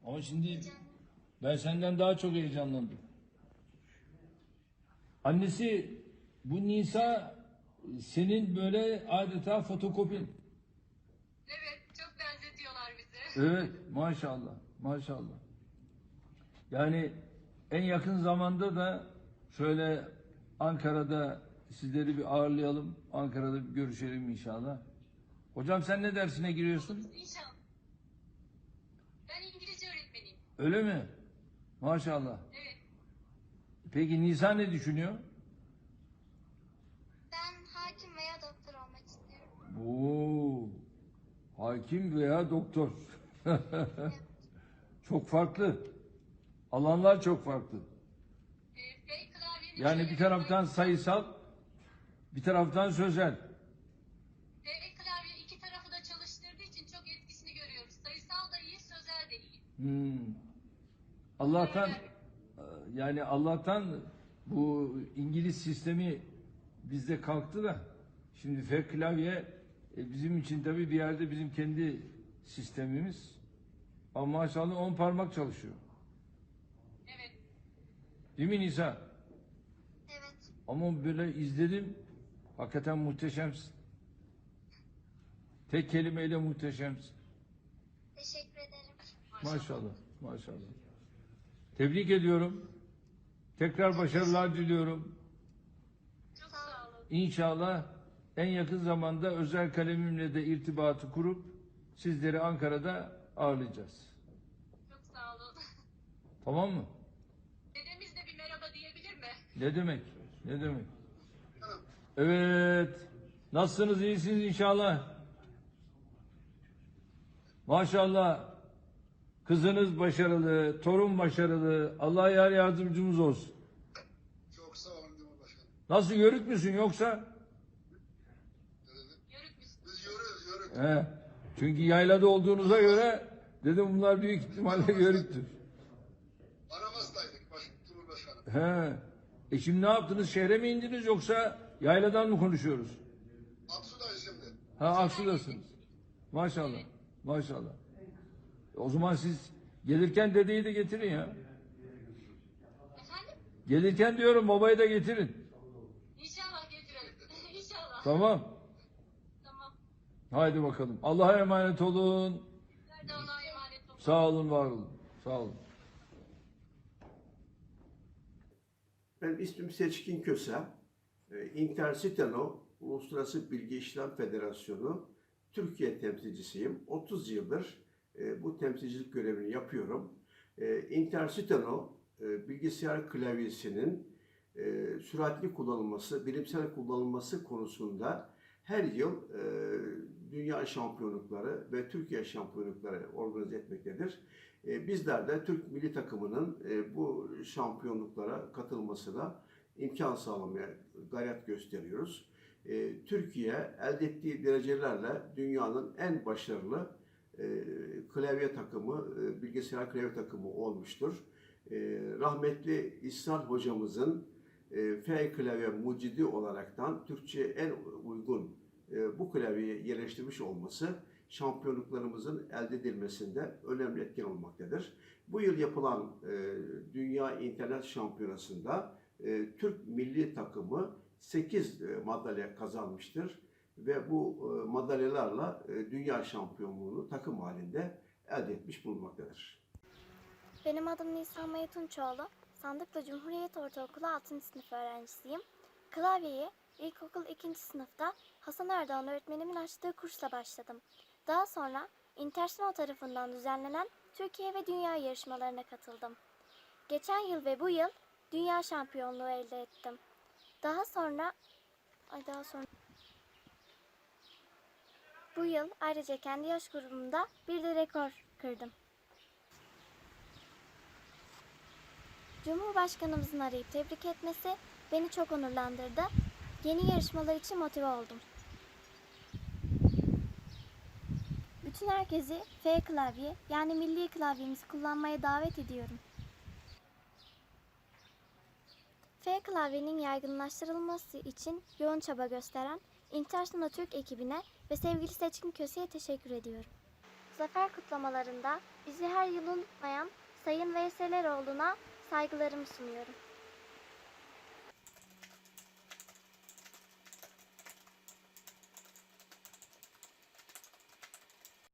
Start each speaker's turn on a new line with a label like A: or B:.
A: Ama şimdi ben senden daha çok heyecanlandım. Annesi bu Nisa senin böyle adeta fotokopin.
B: Evet, çok benzetiyorlar bizi.
A: Evet, maşallah, maşallah. Yani en yakın zamanda da şöyle Ankara'da sizleri bir ağırlayalım. Ankara'da bir görüşelim inşallah. Hocam sen ne dersine giriyorsun?
B: İnşallah. Ben İngilizce öğretmeniyim.
A: Öyle mi? Maşallah.
B: Evet.
A: Peki Nisa ne düşünüyor?
C: Ben hakim veya doktor olmak istiyorum.
A: Oo, hakim veya doktor.
C: Evet.
A: Çok farklı. Alanlar çok farklı.
B: F klavyenin
A: Yani
B: şöyle
A: bir taraftan
B: faydası var.
A: sayısal, bir taraftan sözel.
B: F klavye iki tarafı da çalıştırdığı için çok etkisini görüyoruz. Sayısal da iyi, sözel de iyi.
A: Allah'tan yani Allah'tan bu İngiliz sistemi bizde kalktı da şimdi F klavye bizim için tabii bir yerde bizim kendi sistemimiz. Ama maşallah 10 parmak çalışıyor.
B: Evet.
A: Değil mi Nisa?
C: Evet.
A: Ama böyle izledim. Hakikaten muhteşemsin. Tek kelimeyle muhteşemsin.
C: Teşekkür ederim.
A: Maşallah. Maşallah. Tebrik ediyorum. Tekrar başarılar diliyorum.
B: Çok sağ olun.
A: İnşallah en yakın zamanda özel kalemimle de irtibatı kurup sizleri Ankara'da ağırlayacağız.
B: Çok sağ olun.
A: Tamam mı?
B: Dedemiz de bir merhaba diyebilir mi?
A: Ne demek? Ne demek? Evet. Nasılsınız? İyisiniz inşallah. Maşallah. Kızınız başarılı, torun başarılı. Allah yar yardımcımız olsun.
D: Çok sağ olun Cumhurbaşkanım.
A: Nasıl, yörük müsün yoksa?
D: Ne dedim?
B: Yörük müsün?
D: Biz yörük.
A: He. Çünkü yaylada olduğunuza göre dedim bunlar büyük ihtimalle yörüktür.
D: Aramızdaydık Cumhurbaşkanım.
A: He. Şimdi ne yaptınız? Şehre mi indiniz yoksa yayladan mı konuşuyoruz?
D: Aksu'dayız şimdi.
A: Ha, Aksu'dasınız. Maşallah. Maşallah. O zaman siz gelirken dedeyi de getirin ya.
B: Efendim?
A: Gelirken diyorum babayı da getirin.
B: İnşallah getirelim. İnşallah.
A: Tamam.
B: Tamam.
A: Haydi bakalım. Allah'a emanet olun.
B: Sizler de Allah'a emanet olun.
A: Sağ olun, var olun. Sağ olun.
E: Ben ismim Seçkin Köse. Intercitano Uluslararası Bilgi İşlem Federasyonu Türkiye temsilcisiyim. 30 yıldır bu temsilcilik görevini yapıyorum. Intercitano bilgisayar klavyesinin süratli kullanılması, bilimsel kullanılması konusunda her yıl dünya şampiyonlukları ve Türkiye şampiyonlukları organize etmektedir. Bizler de Türk milli takımının bu şampiyonluklara katılmasına imkan sağlamaya gayret gösteriyoruz. Türkiye elde ettiği derecelerle dünyanın en başarılı klavye takımı, bilgisayar klavye takımı olmuştur. Rahmetli İhsan hocamızın F klavye mucidi olaraktan Türkçe'ye en uygun bu klavyeyi yerleştirmiş olması şampiyonluklarımızın elde edilmesinde önemli etken olmaktadır. Bu yıl yapılan Dünya İnternet Şampiyonası'nda Türk milli takımı 8 madalya kazanmıştır ve bu madalyalarla dünya şampiyonluğunu takım halinde elde etmiş bulunmaktadır.
C: Benim adım Nisa Maya Tunçoğlu. Sandıklı Cumhuriyet Ortaokulu 6. sınıf öğrencisiyim. Klavyeyi ilkokul 2. sınıfta Hasan Erdoğan öğretmenimin açtığı kursla başladım. Daha sonra International tarafından düzenlenen Türkiye ve dünya yarışmalarına katıldım. Geçen yıl ve bu yıl dünya şampiyonluğu elde ettim. Daha sonra bu yıl ayrıca kendi yaş grubumda bir de rekor kırdım. Cumhurbaşkanımızın arayıp tebrik etmesi beni çok onurlandırdı. Yeni yarışmalar için motive oldum. Bütün herkesi F klavye yani milli klavyemizi kullanmaya davet ediyorum. F klavyenin yaygınlaştırılması için yoğun çaba gösteren International Türk ekibine ve sevgili Seçkin Köse'ye teşekkür ediyorum. zafer kutlamalarında bizi her yıl unutmayan Sayın Veysel Eroğlu'na saygılarımı sunuyorum.